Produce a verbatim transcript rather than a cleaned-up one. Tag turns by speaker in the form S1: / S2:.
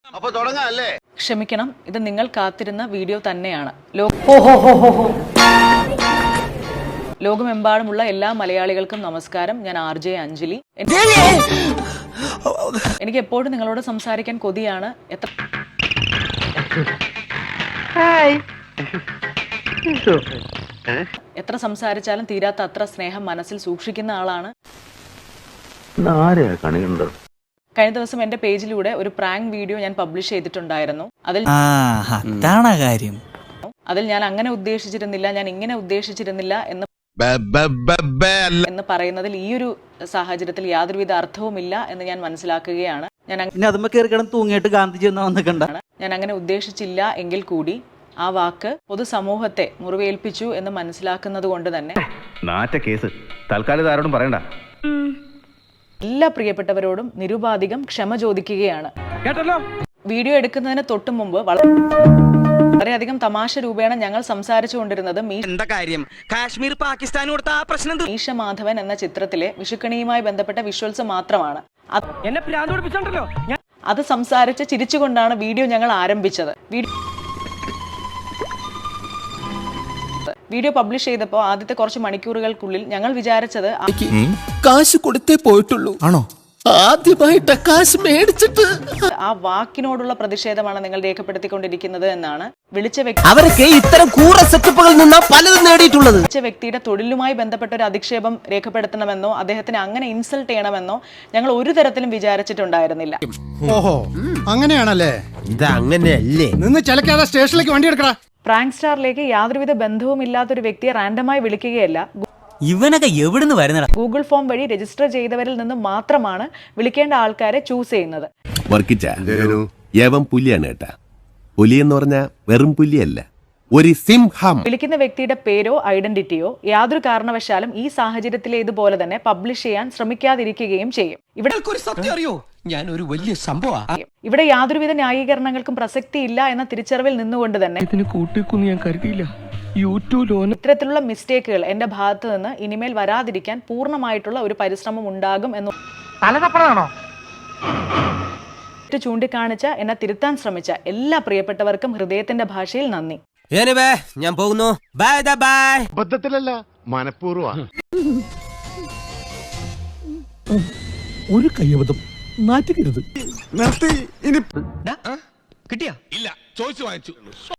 S1: അപ്പൊ തുടങ്ങാല്ലേ?
S2: ക്ഷമിക്കണം, ഇത് നിങ്ങൾ കാത്തിരുന്ന വീഡിയോ തന്നെയാണ്. ലോകമെമ്പാടുമുള്ള എല്ലാ മലയാളികൾക്കും നമസ്കാരം. ഞാൻ ആർ ജെ അഞ്ജലി. എനിക്ക് എപ്പോഴും നിങ്ങളോട് സംസാരിക്കാൻ കൊതിയാണ്. എത്ര എത്ര സംസാരിച്ചാലും തീരാത്ത അത്ര സ്നേഹം മനസ്സിൽ സൂക്ഷിക്കുന്ന ആളാണ്. കഴിഞ്ഞ ദിവസം എന്റെ പേജിലൂടെ ഒരു പ്രാങ്ക് വീഡിയോ ഞാൻ പബ്ലിഷ് ചെയ്തിട്ടുണ്ടായിരുന്നു. അതിൽ അതിൽ ഞാൻ അങ്ങനെ ഉദ്ദേശിച്ചിരുന്നില്ല, ഞാൻ ഇങ്ങനെ ഉദ്ദേശിച്ചിരുന്നില്ല എന്ന് എന്ന് പറയുന്നതിൽ ഈ ഒരു സാഹചര്യത്തിൽ യാതൊരുവിധ അർത്ഥവുമില്ല എന്ന് ഞാൻ മനസ്സിലാക്കുകയാണ്. ഞാൻ ഞാൻ അങ്ങനെ ഉദ്ദേശിച്ചില്ല എങ്കിൽ കൂടി ആ വാക്ക് പൊതുസമൂഹത്തെ മുറിവേൽപ്പിച്ചു എന്ന് മനസ്സിലാക്കുന്നത് കൊണ്ട് തന്നെ എല്ലാ പ്രിയപ്പെട്ടവരോടും നിരുപാധികം ക്ഷമ ചോദിക്കുകയാണ്. വീഡിയോ എടുക്കുന്നതിന് തൊട്ടു മുമ്പ് വളരെയധികം തമാശ രൂപേണ ഞങ്ങൾ സംസാരിച്ചു കൊണ്ടിരുന്നത് മീശ മാധവൻ എന്ന ചിത്രത്തിലെ വിഷുക്കണിയുമായി ബന്ധപ്പെട്ട വിഷ്വൽസ് മാത്രമാണ്. അത് സംസാരിച്ച് ചിരിച്ചുകൊണ്ടാണ് വീഡിയോ ഞങ്ങൾ ആരംഭിച്ചത്. വീഡിയോ പബ്ലിഷ് ചെയ്തപ്പോൾ ആദ്യത്തെ കുറച്ച് മണിക്കൂറുകൾക്കുള്ളിൽ ഞങ്ങൾ വിചാരിച്ചത്
S3: കാശ് കൊടുത്തേ പോയിട്ടുള്ളൂ ആണോ, ആദ്യമായിട്ട് കാശ് മേടിച്ചിട്ട്
S2: ആ വാക്കിനോടുള്ള പ്രതിഷേധമാണ് നിങ്ങൾ രേഖപ്പെടുത്തിക്കൊണ്ടിരിക്കുന്നത് എന്നാണ്. വിളിച്ച വ്യക്തി
S3: അവരൊക്കെ ഇത്തരം കൂറ സെറ്റപ്പുകളിൽ നിന്നാ പലതും നേടിയിട്ടുള്ളത്.
S2: വിളിച്ച വ്യക്തിയുടെ തൊഴിലുമായി ബന്ധപ്പെട്ട ഒരു അധിക്ഷേപം രേഖപ്പെടുത്തണമെന്നോ അദ്ദേഹത്തിന് അങ്ങനെ ഇൻസൾട്ട് ചെയ്യണമെന്നോ ഞങ്ങൾ ഒരു തരത്തിലും വിചാരിച്ചിട്ടുണ്ടായിരുന്നില്ല.
S4: ഓഹോ, അങ്ങനെയാണല്ലേ?
S3: ഇത് അങ്ങനെയല്ലേ?
S4: നിന്ന് ചിലക്കാതെ സ്റ്റേഷനിലേക്ക് വണ്ടി എടുക്കടാ.
S2: പ്രാങ്ക് സ്റ്റാറിലേക്ക് യാതൊരുവിധ ബന്ധവും ഇല്ലാത്തൊരു വ്യക്തിയെ റാൻഡമായി വിളിക്കുകയല്ല,
S5: ഇവനൊക്കെ എവിടുന്ന് വരുന്നടാ?
S2: ഗൂഗിൾ ഫോം വഴി രജിസ്റ്റർ ചെയ്തവരിൽ നിന്ന് മാത്രമാണ് വിളിക്കേണ്ട ആൾക്കാരെ ചൂസ് ചെയ്യുന്നത്.
S6: പുലിയാണ് കേട്ടാ. പുലി എന്ന് പറഞ്ഞാൽ വെറും പുലിയല്ല, ഒരു സിംഹം.
S2: വിളിക്കുന്ന വ്യക്തിയുടെ പേരോ ഐഡന്റിറ്റിയോ യാതൊരു കാരണവശാലും ഈ സാഹചര്യത്തിലെ ഇതുപോലെ തന്നെ പബ്ലിഷ് ചെയ്യാൻ ശ്രമിക്കാതിരിക്കുകയും ചെയ്യും. ഇവിടെ
S3: ഞാൻ ഒരു വലിയ സംഭവം
S2: ഇവിടെ യാതൊരുവിധ ന്യായീകരണങ്ങൾക്കും പ്രസക്തിയില്ല എന്ന തിരിച്ചറിവിൽ നിന്നുകൊണ്ട് തന്നെ
S3: ഞാൻ കരുതിയില്ല.
S2: ഇത്തരത്തിലുള്ള മിസ്റ്റേക്കുകൾ എന്റെ ഭാഗത്ത് നിന്ന് ഇനിമേൽ വരാതിരിക്കാൻ പൂർണ്ണമായിട്ടുള്ള ഒരു പരിശ്രമം ഉണ്ടാകും എന്ന് ചൂണ്ടിക്കാണിച്ച എന്നെ തിരുത്താൻ ശ്രമിച്ച എല്ലാ പ്രിയപ്പെട്ടവർക്കും ഹൃദയത്തിന്റെ ഭാഷയിൽ നന്ദി.
S3: ഞാൻ പോകുന്നു. Bye bye.
S1: അബദ്ധത്തിലല്ല, മനഃപൂർവ്വം.
S4: ഒരു കയ്യബദ്ധം നാറ്റുകരുത്.
S1: നിർത്തി. ഇനി
S3: കിട്ടിയാ?
S1: ഇല്ല, ചോദിച്ചു വാങ്ങിച്ചു.